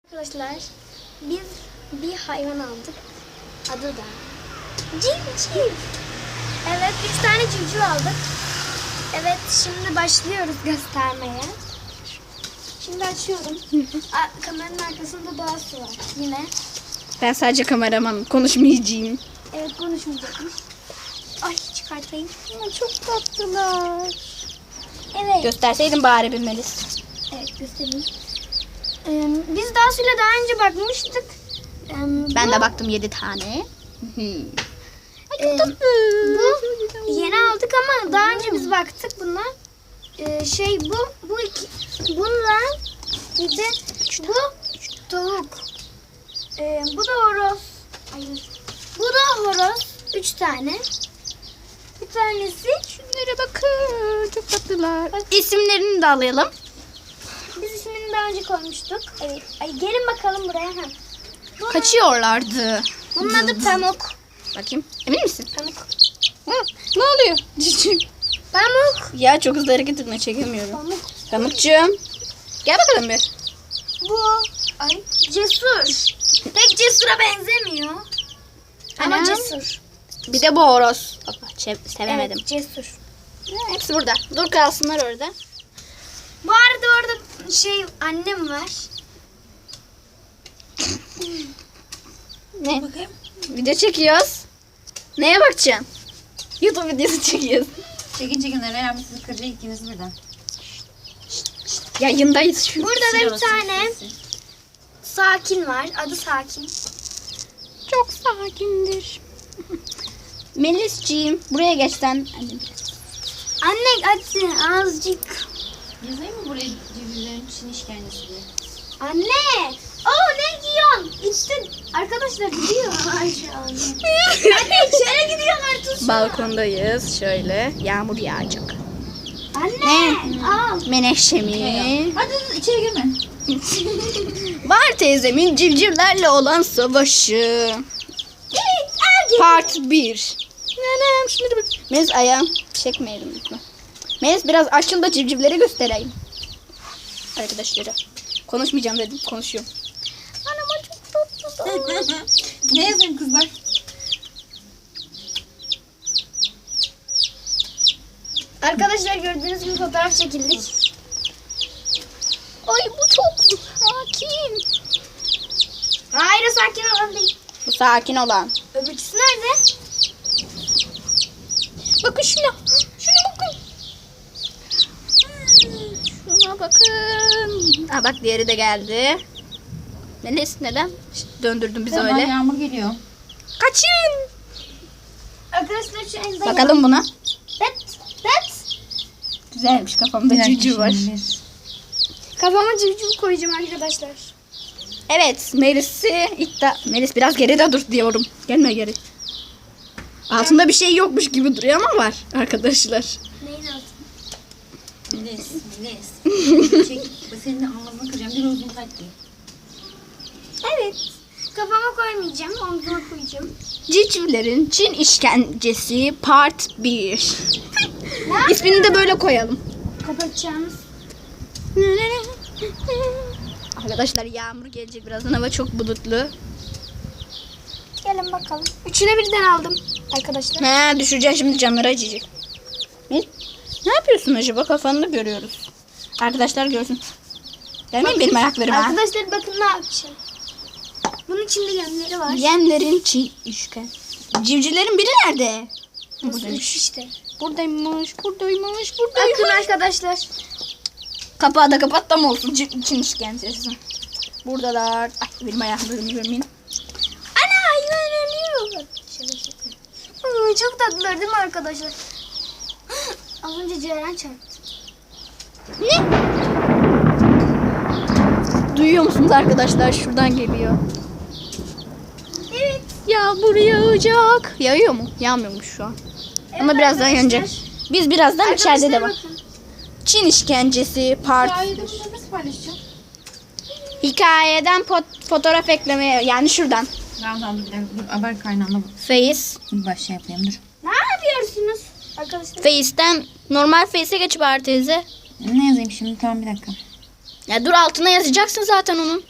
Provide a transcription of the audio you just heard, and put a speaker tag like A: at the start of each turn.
A: Arkadaşlar biz bir hayvan aldık. Adı da civciv. Evet, 3 tane civciv aldık. Evet, şimdi başlıyoruz göstermeye. Şimdi açıyorum. Kameranın arkasında doğası var yine.
B: Ben sadece kameramanım. Konuşmayacağım.
A: Evet, konuşmayacakmış. Ay, çıkartayım. Ama çok tatlılar. Evet.
B: Gösterseydin bari bir Melis.
A: Evet, göstereyim. Biz daha sonra daha önce bakmıştık.
B: Ben de baktım 7 tane.
A: Bu yeni aldık ama daha önce biz baktık buna. Bunlar bir de bu tavuk. Bu da horoz. Hayır. Bu da horoz. 3 tane. Bir tanesi.
B: Şunlara bakın. Çok tatlılar. İsimlerini de alayım.
A: Biz ismini daha önce koymuştuk. Evet. Ay, gelin bakalım buraya.
B: Kaçıyorlardı.
A: Bunun adı Pamuk.
B: Bakayım. Emin misin?
A: Pamuk.
B: Hı, ne oluyor? Cicim.
A: Pamuk.
B: Ya çok hızlı hareket etme, çekemiyorum.
A: Pamuk.
B: Pamukcuğum. Gel bakalım bir.
A: Bu cesur. Pek cesura benzemiyor. Ama
B: Anam.
A: cesur.
B: Bir de bu horoz. Sevemedim.
A: Evet, cesur.
B: Hepsi burada. Dur kalsınlar orada.
A: Bu arada orada annem var.
B: Ne? Video çekiyoruz. Neye bakacaksın? YouTube videosu çekiyoruz.
C: Çekin Eren abi sizi kıracak ikiniz birden.
B: Yayındayız şu.
A: Burada da bir tane Sakin var. Adı Sakin.
B: Çok sakindir. Melisciğim buraya geç sen.
A: Anne hadi azıcık.
C: Yazayım mı buraya civcivlerin Çin işkencesi diye?
A: Anne. Ne giyiyorsun? İşte arkadaşlar gidiyor. Ay Anne içeri gidiyorlar. Tut.
B: Balkondayız. Şöyle. Yağmur yağacak.
A: Anne. Al.
B: Menekşemi.
C: Hadi içeri girme.
B: Var teyzemin civcivlerle olan savaşı.
A: Evet.
B: Part 1. Nenem şunları bak. Melis ayağım çekmeyelim lütfen. Melis biraz açıl da civcivleri göstereyim. Arkadaşlara. Konuşmayacağım dedim. Konuşuyorum. Anam çok tatlı.
C: Ne yazayım kızlar?
A: Arkadaşlar gördüğünüz gibi fotoğraf çekildik.
B: Ay bu çok sakin.
A: Hayır, o sakin olan değil.
B: Bu sakin olan.
A: Öbürküsü nerede?
B: Bakın şuna. Şuna bakın. Şuna bakın. Aa, bak diğeri de geldi. Melis neden döndürdün bizi
C: Tamam,
B: öyle?
C: yağmur geliyor.
B: Kaçın.
A: Arkadaşlar şu elde
B: Bakalım buna.
A: Bet.
B: Güzelmiş, kafamda civciv var.
A: Kafama civciv koyacağım arkadaşlar.
B: Evet, Melis biraz geride dur diyorum. Gelme geri. Altında bir şey yokmuş gibi duruyor ama var arkadaşlar.
A: Neyin altı?
C: Melis. Çek. Senin anlamını kıracağım. Bir uzun kalp değil.
A: Evet. Kafama koymayacağım. Omzuma koyacağım.
B: Civcivlerin Çin işkencesi Part 1. İsmini de böyle koyalım.
A: Kapatacağımız.
B: Arkadaşlar yağmur gelecek birazdan, hava çok bulutlu.
A: Gelin bakalım. Üçüne birden aldım arkadaşlar.
B: Düşeceksin şimdi, camları acıyacak. Ne yapıyorsun acaba? Kafanı görüyoruz. Arkadaşlar görsün. Gelmeyin benim ayaklarıma.
A: Arkadaşlar bakın ne yapacağım. Bunun içinde yemleri var.
B: Yemlerin Çin işken. Civcivlerin biri nerede?
A: Üç işte.
B: Buradaymış.
A: Bakın arkadaşlar.
B: Kapağı da kapat da mı olsun Çin işkencesi. Buradalar. Ay benim ayaklarımı görmeyin.
A: Ana hayvan ölüyor. Çok tatlılar değil mi arkadaşlar? Az önce Ceren çarptı.
B: Ne? Duyuyor musunuz arkadaşlar? Şuradan geliyor.
A: Evet.
B: Yağmur yağacak. Yağıyor mu? Yağmıyormuş şu an. Ama birazdan yanacak. Biz birazdan içeride de bak.
A: Bakın.
B: Çin işkencesi part.
C: Hikayede bunu nasıl paylaşacağım?
B: Hikayeden fotoğraf eklemeye, yani şuradan.
C: Tamam dur bir dakika. Dur haber kaynağına
B: Face.
C: baş şey yapayım dur.
A: Ne yapıyorsunuz arkadaşlar?
B: Face'ten normal Face'e geç bari teyze.
C: Ne yazayım şimdi? Tamam bir dakika.
B: Ya dur, altına yazacaksın zaten onun.